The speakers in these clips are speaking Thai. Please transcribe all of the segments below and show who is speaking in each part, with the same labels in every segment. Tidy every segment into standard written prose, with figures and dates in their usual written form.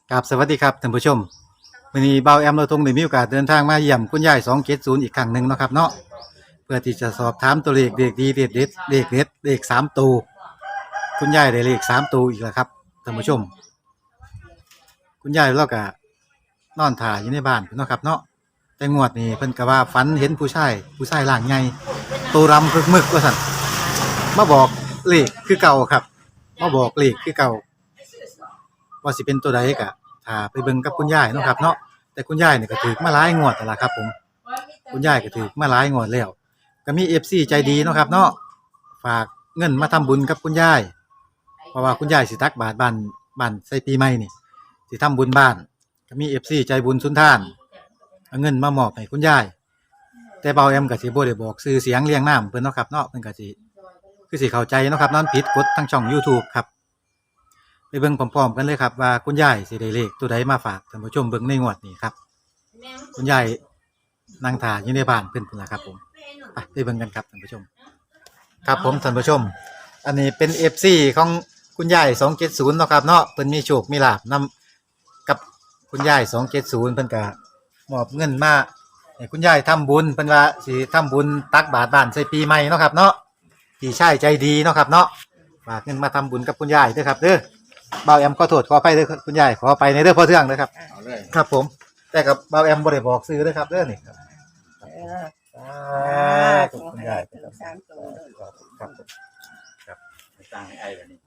Speaker 1: ครับสวัสดีครับท่านผู้ชมวันนี้เบาแอมเราทงได้มีโอกาสเดินทางมาเยี่ยมคุณยาย270อีกครั้งหนึ่งเนาะครับเนาะเพื่อที่จะสอบถามตัวเลขเด็กดีเด็ดเด็ดเลขเด็ดเลข3ตัวคุณยายได้เลข3ตัวอีกแล้วครับท่านผู้ชมคุณยายเราก็นอนถ่ายอยู่ในบ้านเนาะครับเนาะแต่งวดนี้เพิ่นก็ว่าฝันเห็นผู้ชายร่างใหญ่ตัวรำพึกมึกว่าซั่นมาบอกเลขคือเก่าครับมาบอกเลขคือเก่าว่าสิเป็นตัวใดก็ถ้าไปเบิ่งกับคุณยายเนาะครับเนาะแต่คุณยายนี่ก็ถูกมาหลายงวดแล้วล่ะครับผมคุณยายก็ถูกมาหลายงวดแล้วก็มี FC ใจดีเนาะครับเนาะฝากเงินมาทำบุญกับคุณยายเพราะว่าคุณยายสิตักบาตรบ้านใส่ปีใหม่นี่สิทำบุญบ้านก็มี FC ใจบุญสุนทานเอาเงินมามอบให้คุณยายแต่เบาแอมก็สิบ่ได้บอกชื่อเสียงเรียงนามเพิ่นเนาะครับเนาะเพิ่นก็สิคือสิเข้าใจเนาะครับนอนผิดกฎทางช่อง YouTube ครับไปเบิ่งพร้อมๆกันเลยครับว่าคุณยายสิได้เลขตัวใดมาฝากท่านผู้ชมเบิ่งในงวดนี้ครับคุณยายนั่งท่าอยู่ในบ้านเพิ่นพุ่นล่ะครับผมไปเบิ่งกันครับท่านผู้ชมครับผมท่านผู้ชมอันนี้เป็น FC ของคุณยาย270เนาะครับเนาะเพิ่นมีโชคมีลาภนํกับคุณยาย270เพิ่นก็มอบเงินมาให้คุณยายทำบุญเพิ่นว่าสิทำบุญตักบาตรบ้านใส่ปีใหม่เนาะครับเนาะพี่ชายใจดีเนาะครับเนาะฝากเงินมาทำบุญกับคุณยายเด้อครับเด้อเบาแอมขอโทษขออภัยเด้อคุณยายขอไปในเด้อพ่อเทืองเด้อครับ
Speaker 2: เอาเลย
Speaker 1: ครับผมแต่กับเบาแอมบ่ได้บอกซื้อเด้อครับเด้อนี่ครับ
Speaker 3: เออ
Speaker 1: ขอบคุณยายครับ
Speaker 3: สามตัวเลย
Speaker 1: ครับผม
Speaker 2: ไปตั้งให้ไอ้แบบนี้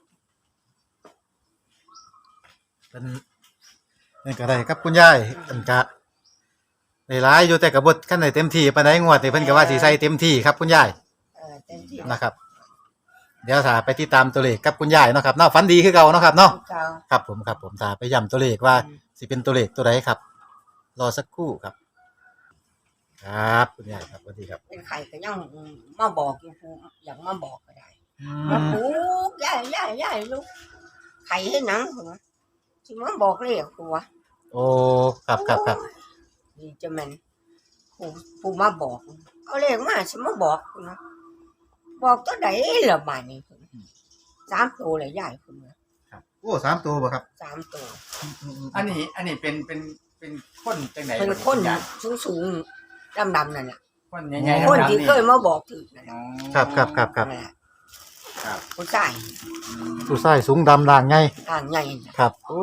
Speaker 1: เป็นนี่ก็ได้ครับคุณยายเพิ่นก็ได้หลายอยู่แต่ก็บ่คันได้เต็มที่ปานใดงวดนี่เพิ่นก็ว่าสิใส่เต็มที่ครับคุณยาย
Speaker 3: เต็มที่
Speaker 1: นะครับ เดี๋ยวถ้าไปติดตามตัวเลขกับคุณยายเนาะครับเนาะฝันดีคือเก่าเนาะครับเนาะ
Speaker 3: เก่า
Speaker 1: ครับผมถ้าไปย้ำตัวเลขว่าสิเป็นตัวเลขตัวใดครับ รอสักครู่ครับครับคุณยายครับสวัสดีครับ
Speaker 3: เป็นไข่ก็ยังมาบอกอยู่ผู้อยากมาบอกก็ได้
Speaker 1: อื
Speaker 3: มาม ปลูกย่ายลูกไข่ให้หนังหัวที่มาบอกเรียกหัว
Speaker 1: โอ้ครับ
Speaker 3: นี่จะแม่นผู้มาบอกเอาเลขมาฉันมาบอกคุณนะบอกตัวไหนละบาดนี้คุณสามตัวเลยย่ายคุณนะครับ
Speaker 1: โอ้3ตัวบ่ครับ
Speaker 3: สามตัว
Speaker 2: อันนี้เป็นคนจังไหน
Speaker 3: เป็นคนสูงดำนั่นแหละ
Speaker 2: คนใหญ่ๆ
Speaker 3: คน
Speaker 2: ดำๆ
Speaker 3: ที่เคยมาบอกถึงนั่นแหละ
Speaker 1: ครับ
Speaker 3: นั่นแหละ
Speaker 2: ครับ
Speaker 3: ผู้ชาย
Speaker 1: ผู้ชายสูงดำด่างไง
Speaker 3: ทางใหญ่น่ะ
Speaker 1: ครับโอ้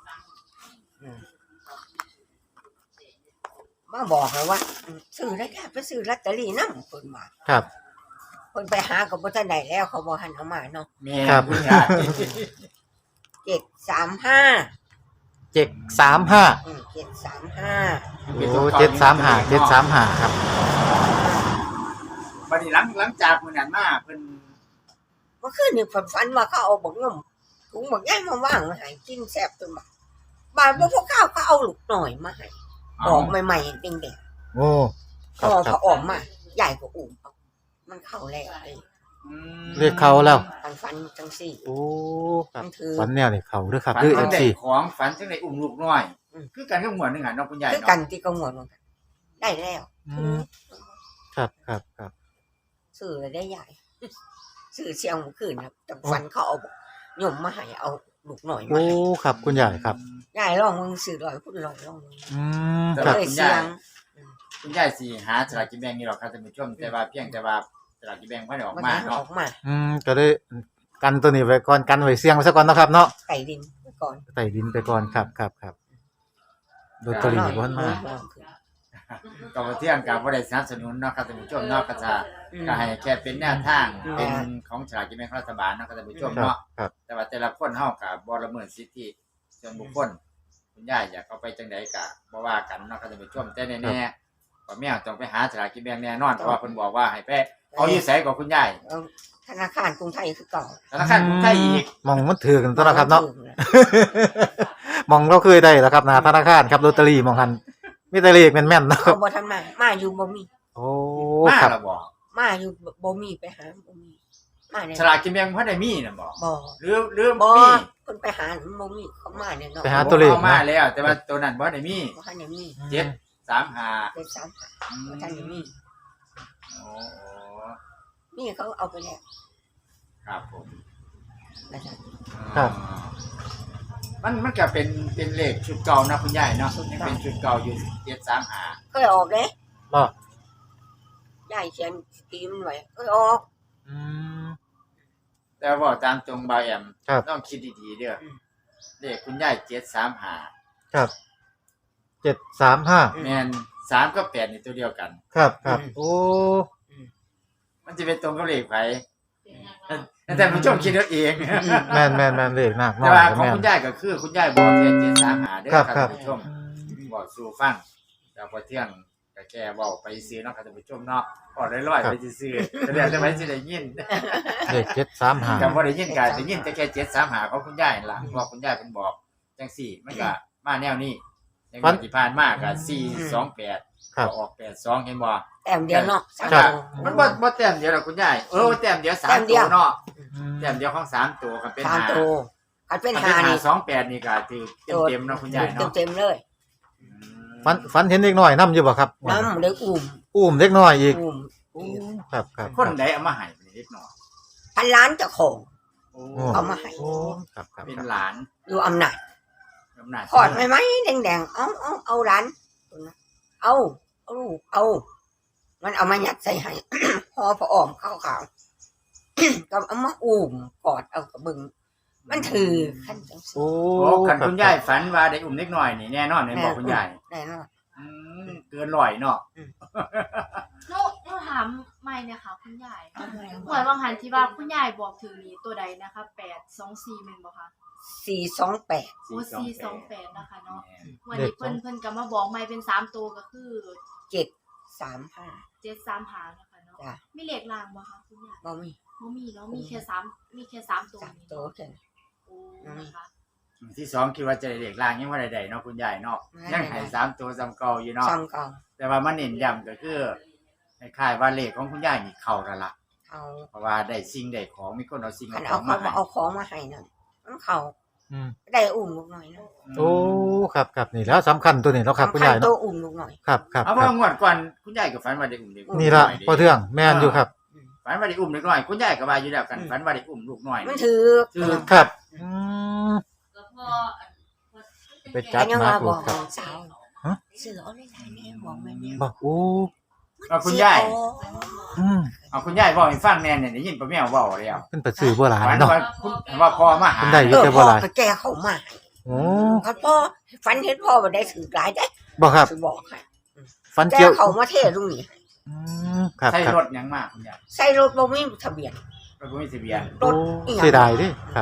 Speaker 3: มาบอกเลยว่าซื้อได้แค่ไปซื้อลอตเตอรี่นำเพิ่นมา
Speaker 1: ครับ
Speaker 3: เพิ่นไปหาก็บ่ทันได้แล้วเขาบ่หันเอามาเนาะ
Speaker 2: แม่
Speaker 1: ครับ
Speaker 2: คุณยาย
Speaker 3: 735
Speaker 1: 735
Speaker 3: 735
Speaker 1: โอ้735ครับ
Speaker 2: บัดนี้หลังจากมื้อนั้นมาเพิ่น
Speaker 3: เมื่อคืนนี่ฝันว่าเขาเอาบักงมถุงบักใหญ่มาวางไว้ให้กินแซ่บจนบ่ายบ่พอข้าวเขาเอาลูกหน่อยมาให้ออกใหม่ๆแดง
Speaker 1: โอ้
Speaker 3: ๆพอเขาออกมาใหญ่กว่าอุ้มเอามันเข้าแล้วไอ้
Speaker 2: อืม
Speaker 1: เรียกเขาแล้ว
Speaker 3: ฝันจังซี่
Speaker 1: โอ้ครับ
Speaker 3: มันถือ
Speaker 1: ฝันแนวนี่เขาเด้อครับ
Speaker 2: ฝัน
Speaker 1: คือ
Speaker 2: จังได๋
Speaker 1: FC
Speaker 2: ของฝันจังได๋อุ้มลูกน้อย
Speaker 3: อืม
Speaker 2: คือกันกับหมวดหนึงหั่นเนาะคุณยาย
Speaker 3: คือ
Speaker 2: เนาะ
Speaker 3: กันที่กำหนดมันได้แล้ว
Speaker 1: อืมครับ
Speaker 3: ซื้อเลยได้ใหญ่ ซื้อเชียงเมื่อคืนครับแต่ฟันเขาเอาหย่มมาให้เอาลูกหน่อยมา
Speaker 1: โอ้
Speaker 3: ให้
Speaker 1: ครับคุณยายครับ
Speaker 3: ยายลองมึงซื้อลอยพูดลอยลองมึง
Speaker 1: อืม
Speaker 2: แต่
Speaker 1: ครั
Speaker 2: ว่า
Speaker 1: บ
Speaker 3: เลย
Speaker 2: คุณ
Speaker 3: เสี
Speaker 2: ยาย
Speaker 3: ง
Speaker 2: คุณยายสิหาสลากกินแบ่งนี่หรอกครับท่านผู้ชมแต่ว่าเพียงแต่ว่าสลากกินแบ่งบ่ได้ออก
Speaker 3: มัน
Speaker 2: มา
Speaker 3: อ
Speaker 2: เนาะ
Speaker 3: อกมา
Speaker 1: ก็ได้กันตัวนี้ไว้ก่อนกันไว้เสี่ยงไว้ซะก่อนเนาะครับเนาะ
Speaker 3: ไก่ดินไปก่อน
Speaker 1: ใส่ดินไปก่อนครับโดตอรี่บ่ทันมา
Speaker 2: ก็บ่เที่ยงก็บ่ได้สนับสนุนเนาะครับท่านผู้ชมเนาะก็จะก็ให้แค่เป็นแนวทางเป็นของสลากกินแบ่งรัฐบาลเนาะครับท่านผู้ชม
Speaker 1: ครับ
Speaker 2: เนาะ
Speaker 1: ครับ
Speaker 2: แต่ว่าแต่ละคนเฮาก็บ่ละเมิดสิทธิส่วนบุคคลคุณยายอยากเอาไปจังไดก็บ่ว่ากันเนาะครับท่านผู้ชมแต่แน่ๆก็แมวต้องไปหาสลากกินแบ่งแน่นอนเพราะว่าเพิ่นบอกว่าให้ไปเอาอยู่ไสกับคุณยาย
Speaker 3: ธนาคารกรุงไทยคือเก่า
Speaker 2: ธนาคารกรุงไทยอีก
Speaker 1: มองมันถือกันตัวนะครับเนาะ มองเราเคยได้แล้วครับหน้าธนาคารครับลอตเตอรี่มองหันมีแต่เลขแม่นๆเนาะค
Speaker 3: เขา
Speaker 1: รับ
Speaker 3: บ่ทันมาอยู่บ่มี
Speaker 1: โอ้
Speaker 2: มา
Speaker 1: ครับ
Speaker 2: แล้วบ่
Speaker 3: มาอยู่บ่มีไปหาบ่มีมาเนี่ย
Speaker 2: สลากกินแบ่งบ่ได้มีน่ะบ่
Speaker 3: บ่
Speaker 2: หรือ
Speaker 3: บ่
Speaker 2: มี
Speaker 3: เพิ่นไปหาบ่มีเขามาเนี่ยเนาะ
Speaker 1: ไปหาตัวเลข
Speaker 2: อามา
Speaker 1: นะ
Speaker 2: แล้ว แต่ว่าตัวนั้นบ่ได้มี
Speaker 3: บ่ทันได้มี
Speaker 2: 735
Speaker 3: เป็นสามหาบ่ทันได้มี
Speaker 2: โอ้
Speaker 3: นี่เขาเอาไปแล้ว
Speaker 2: ครับผม
Speaker 3: นะจ๊ะ
Speaker 1: ครับ
Speaker 2: มันก็เป็นเลขชุดเก่านะคุณยายเนาะยังเป็นชุดเก่าอยู่735
Speaker 3: เคยออกเด้
Speaker 1: บ่
Speaker 3: ยายเขียนตีมันไว้เคยออก
Speaker 1: อืม
Speaker 2: แต่ว่าตามตรงบ่าวแอม
Speaker 1: ครับ
Speaker 2: ต้องคิดดีๆเด้ออ
Speaker 3: ม
Speaker 2: เลขคุณยาย735
Speaker 1: ครับ735
Speaker 2: แม่น3กับ8นี่ตัวเดียวกัน
Speaker 1: ครับครับโอ้
Speaker 2: มันจะเป็นตรงกับเลขไผแต่ผู้ชมคิดเอาเอง
Speaker 1: แม่นเลขนักน้
Speaker 2: แต่
Speaker 1: อย
Speaker 2: ว่า
Speaker 1: ก็
Speaker 2: ของ
Speaker 1: แม่น
Speaker 2: คุณยายก็คือคุณยายบอกแค่735เด้อ
Speaker 1: ครับ
Speaker 2: ครับ
Speaker 1: ครับ
Speaker 2: ท่านผู้ชมบอกสู่ฟังแต่พอเที่ยงก็แค่เว้าไปซื้อเนาะครับท่านผู้ชมเนาะพอได้ร้อยไปซื้อๆแต่เดี๋ยวจะไปสิได้ยิน
Speaker 1: เลข735
Speaker 2: ก็บ่ได้ยินก็ได้ยินแต่แค่735ของคุณยายนั่นล่ะเพราะว่าคุณยายเพิ่นบอกจังซี่มันก็มาแนวนี้ในงวดที่ผ่านมาก็428
Speaker 1: ครับ
Speaker 2: ก็ออก82เห็นบ่
Speaker 3: แต้มเดียวเนาะสาม
Speaker 1: ครับ
Speaker 3: ตัว
Speaker 2: มันบ่แต้มเดียวหรอกคุณยายแต้มเดียว
Speaker 3: แต้
Speaker 2: 3
Speaker 3: มเดี
Speaker 2: ตั
Speaker 3: ยว ว
Speaker 2: เนาะ
Speaker 1: อืม
Speaker 2: แต้มเดียวของ3ตัวก็เป็น
Speaker 3: สาม
Speaker 2: 5
Speaker 3: ตัวคันเป็น
Speaker 2: ถ้า
Speaker 3: หา
Speaker 2: เป็น
Speaker 3: นี่
Speaker 2: 528นี่ก็ถือเต็มๆเนาะคุณยายเนาะ
Speaker 3: เต็มๆเลย
Speaker 1: ฝันเห็นเด็กน้อยนํอยู่บ่ครับ
Speaker 3: น้ำได้อุ้ม
Speaker 1: อุ้มเด็กน้อยอีก
Speaker 3: อุ้ม
Speaker 1: ครับครับ
Speaker 2: คนใดเอามาให้เป็นเล็กน้อย
Speaker 3: พันล้านเจ้าของ
Speaker 2: โอ้
Speaker 3: เอามาให้
Speaker 1: โอ้ครับครับ
Speaker 2: เป็น
Speaker 1: ครับ
Speaker 2: หลาน
Speaker 3: อยู่อำนาจ
Speaker 2: อำนาจ
Speaker 3: ขอดไหมแดงๆเอาร้านเอาลูกเอา มันเอามายัดใส่ให้ พอพออ้อมขาวๆ ก็เอามาอุ้มกอดเอากระบึง มันถือขั้นจังสิ
Speaker 1: โอ้
Speaker 2: โอ้คันคุณยายฝันว่าได้อุ้มเล็กน้อยนี่แน่นอนแม่นบอกคุณยาย
Speaker 3: แน่นอน
Speaker 2: เกินร้อยเนาะ
Speaker 4: หนูถามไม่เนี่ยค่ะคุณยายเหมือนบางหันที่ว่าคุณยายบอกถึงนี้ตัวใดนะคะ824แม่นบ่คะ
Speaker 3: 428
Speaker 4: โอ้428นะคะเนาะวันนี้เพิ่นก็มาบอกใหม่เป็น3ตัวก็คือ
Speaker 3: 735
Speaker 4: 735นะคะเนาะ
Speaker 3: จ้ะ
Speaker 4: มีเลขล่างบ่คะคุณยาย
Speaker 3: บ่มี
Speaker 4: บ่มีเนาะมีแค่3ตัว
Speaker 3: สาม
Speaker 4: นี้
Speaker 3: ตัวแค่นั้น
Speaker 4: โอ้นะคะ
Speaker 2: ที่สองคิดว่าจะได้เด็กล่างยังว่าใดๆเนาะคุณยายเนาะยังให้3ตัวซ้ำเก่าอยู่เนาะ
Speaker 3: ซ้ำเก่า
Speaker 2: แต่ว่ามันเน้นย้ำก็คือคล้ายๆว่าเลขของคุณยายนี่เข้าแล้วล่ะ
Speaker 3: เอา
Speaker 2: เพราะว่าได้สิ่งได้ของมีคนเอาสิ่ง
Speaker 3: คัน
Speaker 2: เอาข
Speaker 3: เอา
Speaker 2: อง
Speaker 3: เขา
Speaker 2: มาให้
Speaker 3: เอาของมาให้นั่นมันเขา
Speaker 1: อืม
Speaker 3: ได้อุ้มลูกหน่อยนะ
Speaker 1: โอ้ครับครับนี่แล้วสำคัญตัวนี้แล้วครับคุณยาย
Speaker 3: ตั
Speaker 1: เนาะ
Speaker 3: วอุ้มลูกหน่อย
Speaker 1: ครับครับ
Speaker 2: เอา
Speaker 1: ครั
Speaker 2: ว่า
Speaker 1: บ
Speaker 2: งวดก่อนคุณยายก็ฝันว่าได้อุ้มเด็ก
Speaker 1: นี่ละพอเทื่องแม่นอยู่ครับ
Speaker 2: ฝันว่าได้อุ้มเด็กน้อยคุณยายก็ว่าอยู่แล้วกันฝันว่าได้อุ้มลูกน้อย
Speaker 3: มันถือ
Speaker 2: คือ
Speaker 1: ครับอืม ไปจั
Speaker 3: แต่
Speaker 1: ด
Speaker 3: ยัง
Speaker 1: มา
Speaker 3: ว่า
Speaker 1: ดู
Speaker 3: บอก
Speaker 1: ครับ
Speaker 3: สาว
Speaker 1: ฮะ
Speaker 3: เสือเอาเลยนะแม่บอกแม่แม่
Speaker 1: บอกโอ้
Speaker 2: เอาคุณยาย
Speaker 1: อืม
Speaker 2: เอาคุณยายบอกให้ฟังแน่เนี่ยได้ยินป้าแมวเว้าแล้ว
Speaker 1: เพิ่นไปซื้อบ่หลาน
Speaker 2: ฝัน
Speaker 1: เนาะ
Speaker 2: ว่าคุณว่าพ่อมาหา
Speaker 1: คุณได้
Speaker 3: เออพ่อก็แกเขามา
Speaker 1: โอ้
Speaker 3: เขาพ่อฝันเห็นพ่อมาได้ถือหลายได้
Speaker 1: บ่ครับ
Speaker 3: สิบอกให้
Speaker 1: ฟัน
Speaker 3: แก
Speaker 1: เกี่ยว
Speaker 3: เขามาเทลุงนี่
Speaker 1: อืมครับ
Speaker 2: ใช้
Speaker 1: ครับ
Speaker 2: รถหยังมากคุณยาย
Speaker 3: ใส่รถบ่มีทะเบียน
Speaker 2: รถบ่มีทะเบียน
Speaker 3: ร
Speaker 1: โอ้
Speaker 3: ถอีหยัง
Speaker 1: เสียดายเดิครับ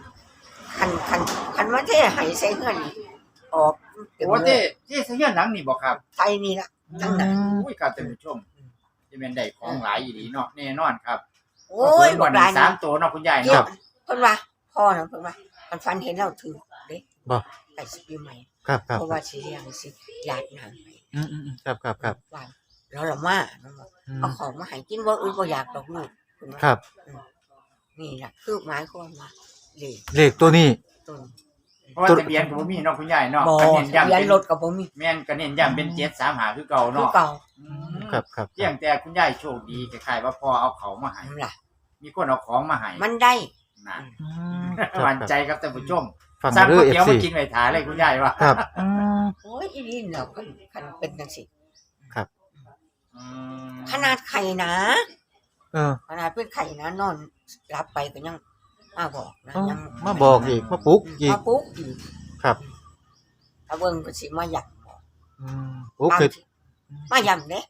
Speaker 3: คันมาเทให้ใส่เฮือนนี่ออก
Speaker 2: โอ้เจ้เสียหนังนี่บ่ครับ
Speaker 3: ไทยนี่ละจังได๋
Speaker 2: อุ้ยครับท่านผู้ชมจะเป็นได้ของหลายอีหลีเนาะแน่นอนครับ
Speaker 3: โอ้ย
Speaker 2: บ่
Speaker 3: บ่
Speaker 2: ได้
Speaker 3: ได้
Speaker 2: สา
Speaker 3: นะ
Speaker 2: มตัวเนาะคุณยาย
Speaker 3: เกี่ยว
Speaker 2: เนาะ
Speaker 3: เพิ่นว่าพ่อน่ะเพิ่นว่ามันฝันเห็นเราถือเด้
Speaker 1: บ่
Speaker 3: ไปสิปีใหม่
Speaker 1: ครับครับ
Speaker 3: เพราะว่าสิเลี้ยงสิญาตินางให้
Speaker 1: อืมครับครับครับ
Speaker 3: ว่าแล้วละมาน้องบอก
Speaker 1: อืม
Speaker 3: เอาของมาให้กินบ่อื่นบ่อยากดอกลูกเพิ่นว่า
Speaker 1: ครับ
Speaker 3: นี่ล่ะคือหมายความว่าเลข
Speaker 1: เลขตัวนี้
Speaker 3: ต้น
Speaker 2: เพราะว่าทะเบียนก็บ่มีเนาะคุณยายเนาะ
Speaker 3: บ่
Speaker 2: ก็เน้นย้ำ
Speaker 3: ทะเบียน
Speaker 2: เป็น
Speaker 3: รถก็บ่มี
Speaker 2: แม่นก็เน้นย้ำเป็น735คือเก่า
Speaker 3: คือ
Speaker 2: เนาะ
Speaker 3: เก่า
Speaker 1: ครับครับ
Speaker 2: เพียงแต่คุณยายโชคดีคล้ายๆว่าพ่อเอาเขามาให้
Speaker 3: นั่นล่ะ
Speaker 2: มีคนเอาของมาให้
Speaker 3: มันได้
Speaker 2: นะ
Speaker 1: อืมครับ
Speaker 2: หวั่นใจครับท่านผู้ชม
Speaker 1: ฟัง
Speaker 2: สร้าง
Speaker 1: เด้
Speaker 2: ก๋ว
Speaker 1: อย
Speaker 2: เตี๋ยว
Speaker 1: FC
Speaker 2: มากินไว้ถ่ายเลยคุณยายว่า
Speaker 1: ครับอืม
Speaker 3: โอ้ยอีนี่แล้วคันเป็นจังซี่
Speaker 2: อืม
Speaker 3: ขนาดไข่นะ
Speaker 1: เออ
Speaker 3: ขนาดเป็นไข่นะนอนรับไปก็ยังมาบอกนะ
Speaker 1: เอา
Speaker 3: ยัง
Speaker 1: มาบอกอีกมาปลุกอีก
Speaker 3: มาปุ๊กอีก
Speaker 1: ครับ
Speaker 3: ถ้าเบิ่งก็สิมาหยับบอก
Speaker 1: อืมปลุกคือ
Speaker 3: มาย่ำเด้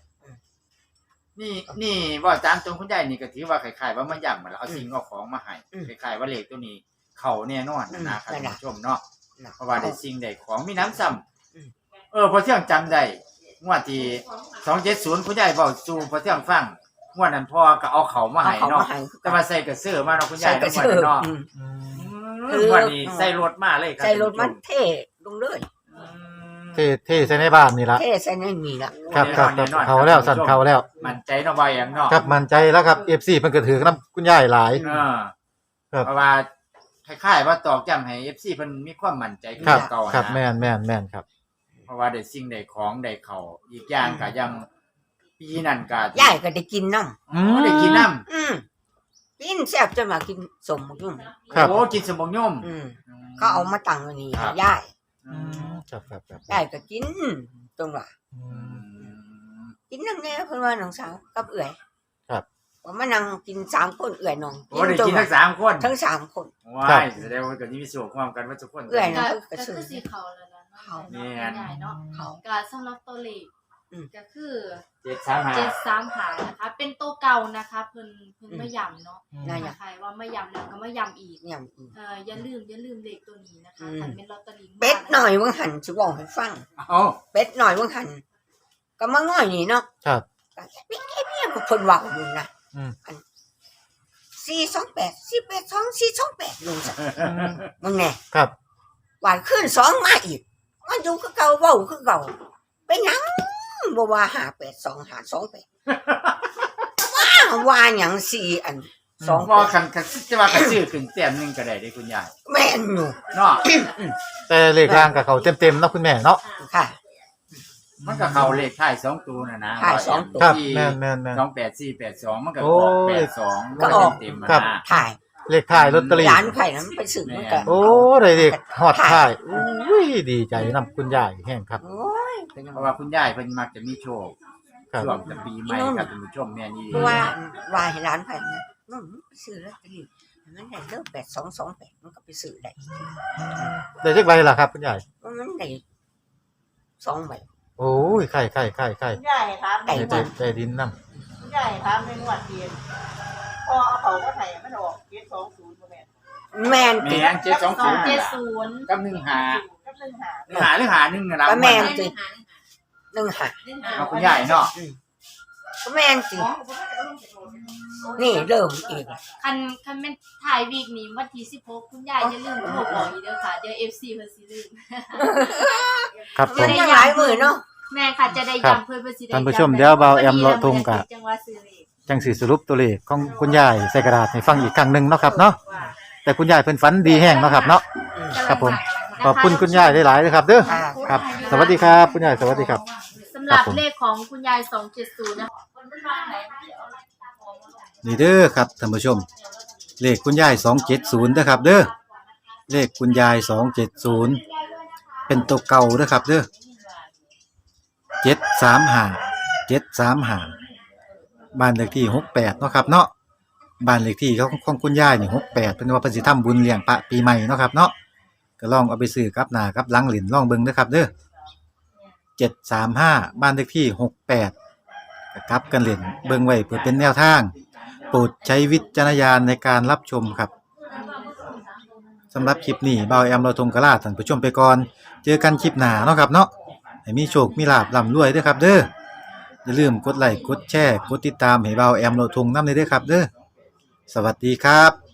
Speaker 2: นี่ว่าตามตรงคุณยายนี่ก็ถือว่าคล้ายๆว่ามาย่ำมาแล้วเอาสิ่งเอาของมาให้คล้ายๆว่าเลขตัวนี้เขาแน่นอนนะครับท่านผู้ชมเนาะ
Speaker 3: นะ
Speaker 2: เพราะว่าได้สิ่งได้ของมีน้ำซ้ำ
Speaker 3: อืม
Speaker 2: พอเที่ยงจำได้งวดที่270คุณยายเว้าสู่พอเที่ยงฟังงวดนั้นพ่อก็เอาเขามา
Speaker 3: เอา
Speaker 2: ให้
Speaker 3: เขา
Speaker 2: เนาะ
Speaker 3: มาให้คือ
Speaker 2: แต่ว่าใส่กระเสื้อมาเนาะคุณ
Speaker 3: ใส่
Speaker 2: ยาย
Speaker 3: กระ
Speaker 2: เนาะ
Speaker 3: เชือก
Speaker 2: เนาะ
Speaker 1: อืม
Speaker 3: คือ
Speaker 2: วันนี้ใส่รถมาเลยครับ
Speaker 3: ใส่รถมันเท่ลงเลย
Speaker 1: เท่ใส่ในบ้านนี่ละ
Speaker 3: เท่ใส่ในนี่ละ
Speaker 1: ครับครับครับเขาแล้วสั่นเขาแล้ว
Speaker 2: มั่นใจเนาะว่าอย่างเนาะ
Speaker 1: ครับมั่นใจแล้วครับ FC เพิ่นก็ถือนํคุณยายหลาย ครับ
Speaker 2: เพราะว่าคล้ายๆว่าตอกย้ำให้ FC เพิ่นมีความมั่นใจขึ้น
Speaker 1: ครับ
Speaker 2: เก่า
Speaker 1: ครับ
Speaker 2: นะ
Speaker 1: แม่นครับ
Speaker 2: เพราะว่าได้สิ่งได้ของได้เขาอีกอย่างก็ยังปีนั้นก็
Speaker 3: ยายก็ได้กินน้
Speaker 1: อืม
Speaker 2: ได้กินน้
Speaker 3: ำกินแซ่บจนมากินสมบักยุ่ง
Speaker 1: ครับ
Speaker 2: โอ้กินสมบงยม
Speaker 3: อืม
Speaker 2: อืม
Speaker 3: เขาเอามาตั้งไว้นี่
Speaker 2: ครับ
Speaker 3: ยาย
Speaker 1: ครับครับครับ
Speaker 3: ยายก็กินตรงว่า
Speaker 1: อื
Speaker 2: อื
Speaker 1: ม
Speaker 2: ม
Speaker 3: กินนำแน่เพิ่นว่าน้องสาวกับเอื้อย
Speaker 1: ครับ
Speaker 3: ว่ามานั่งกิน3คนเอื้อยน้อง
Speaker 2: โอ้ได้กิน
Speaker 3: ว่า
Speaker 2: ทั้งสามคน
Speaker 3: ทั้ง3คน
Speaker 2: ว้ายแสดงว่าก็มีส่วนความกันว่าทุกคน
Speaker 3: เอื้อย
Speaker 4: ก็
Speaker 3: นะ
Speaker 4: ก็คือสีเขาแล้วนะ
Speaker 3: เขา
Speaker 4: เนาะคุณยายเนาะ
Speaker 3: เขา
Speaker 4: ก็สำหรับตัวเลข
Speaker 3: อืม
Speaker 4: ก็คือ
Speaker 2: 735
Speaker 4: 735นะคะ เป็นตัวเก่านะคะเพิ่นไม่ย้ำเนาะ
Speaker 3: นั่น
Speaker 4: ถ้า
Speaker 3: น่ะ
Speaker 4: ใครว่าไม่ย้ำแล้วก็ไม่ย้ำอีก
Speaker 3: เนี่ยอีก
Speaker 4: อย่าลืมเลขตัวนี้นะคะ
Speaker 3: อืม
Speaker 4: คันเป็นลอตเตอรี่
Speaker 3: เป็ดหน่อยเบิ่งหันสิบอกให้ฟัง
Speaker 2: เอ้า
Speaker 3: เป็ดหน่อยเบิ่งหันก็มาง่อยนี่เนาะ
Speaker 1: ครับ
Speaker 3: ก็แค่เพี้ยก็เพิ่นเว้าอยู่นะ
Speaker 1: อืม
Speaker 3: 428 482 428ลุงซะ
Speaker 1: อืม
Speaker 3: มึงแน่
Speaker 1: ครับ
Speaker 3: วานขึ้น2มาอีกมันอยู่คือเก่าเว้าคือเก่าเป็นหยังบ่ว่า582 528ว่าหยัง4อัน
Speaker 2: ว่าคันจะว่ากันซื้อขึ้นแต้มหนึงก็ได้เด้คุณยาย
Speaker 3: 2แม่นอยู่
Speaker 2: เนาะ
Speaker 1: แต่เลขล่างกับเขาเต็มๆเนาะคุณแม่เนาะ
Speaker 3: ค่ะ
Speaker 2: มันก็เข้าเลขท้าย2ตัวน่ะนะ
Speaker 3: ท้ายสองตัว
Speaker 1: ครับ
Speaker 2: ที่
Speaker 1: แม่นแม่นแม่น
Speaker 2: 28482มันก็
Speaker 1: โอ้
Speaker 2: ออก
Speaker 1: ย
Speaker 2: 82
Speaker 3: ก็ออก
Speaker 2: เต็มๆมา
Speaker 1: ครับ
Speaker 2: นะ
Speaker 3: ถ่าย
Speaker 1: เลขท้ายลอตเตอรี่
Speaker 3: ร้านไผ่นั้นไปซื้อมันก็
Speaker 1: โอ้ได้เลขฮอดท้ายอุ้ยดีใจนำคุณยายแห้งครับ
Speaker 3: โอ้ยเป็นหยัง
Speaker 2: เพราะว่าคุณยายเพิ่นมักจะมีโชค
Speaker 1: ครับ
Speaker 2: ช่วงจะปีใหม่ครับท่านผู้ชมแม่นี่
Speaker 3: เพราะว่าให้ร้านไผ่นั้นมันไปซื้อลอตเตอรี่มันได้เลิก8228มันก็ไปซื้อได้
Speaker 1: ได้เลขใบล่ะครับคุณยาย
Speaker 3: มันได้2ใบ
Speaker 1: โอ้ยไข่
Speaker 5: ใหญ่ครับ
Speaker 3: ไก่
Speaker 1: ได้ดินนำ
Speaker 5: ใหญ่ครับในงวดเดียนพอเอาเขาก็ไถมันออก720บ่แม่น
Speaker 3: แม่นติ
Speaker 2: แม่น720
Speaker 4: 270
Speaker 2: กับ15
Speaker 5: กับ1หา
Speaker 2: หาหรือหา1น่ะล่ะ
Speaker 3: ก็แม่นติ1หา
Speaker 2: เอาคุณยายเนาะ
Speaker 3: ก็แม่นตินี่เริ่มอีก
Speaker 4: คันเป็นถ่ายวีคนี้วันที่16คุณยายอย่าลืมโทรบอกอีกเด้อค่ะเดี๋ยว FC เพิ่นสิลืม
Speaker 1: ครับผ
Speaker 3: มัน
Speaker 1: ม
Speaker 3: ยังหลายมื้อเนาะ
Speaker 4: แม่ค่ะจะได้ย้ำเพิ่นสิได้
Speaker 1: ท่านผู้ชมเดี๋ยวเบาแอมเลาะทุ่งกะ
Speaker 4: จังหวัดซื้อเลข
Speaker 1: จังสิสรุปตัวเลขของคุณยายใส่กระดาษให้ฟังอีกครั้งหนึงเนาะครับเนาะแต่คุณยายเพิ่นฝันดีแห้งเนาะครับเนาะ ครับผม ขอบคุณคุณยายหลายๆเลยครับเด้อ
Speaker 3: ค่ะ
Speaker 1: ครับ สวัสดีครับคุณยายสวัสดีครับ
Speaker 4: สำหรับ
Speaker 1: ครับผม
Speaker 4: เลขของคุณยาย270นะคะ
Speaker 1: นี่เด้อครับท่านผู้ชม เลขคุณยาย270เด้อครับ เด้อเลขคุณยาย270เป็นตัวเก่าเด้อครับ เด้อ735บ้านเลขที่68เนาะครับเนาะบ้านเลขที่ของคุณยายนี่68เพิ่นว่าเพิ่นสิทำบุญเลี้ยงพระปีใหม่เนาะครับเนาะก็ลองเอาไปซื้อกับหน้ากับหลังเหรียญลองเบิ่งเด้อครับ เด้อ735บ้านเลขที่68ก็กลับกันเหรียญเบิ่งไว้เพื่อเป็นแนวทาง โปรดใช้วิจารณญาณในการรับชมครับสำหรับคลิปนี้เบาแอมเราทงกะลาท่านผู้ชมไปก่อนเจอกันคลิปหน้าเนาะครับเนาะให้มีโชคมีลาภร่ำรวยเด้อครับ เด้ออย่าลืมกดไลค์กดแชร์กดติดตามให้เบาแอมเราทงนำเด้อครับ เด้อสวัสดีครับ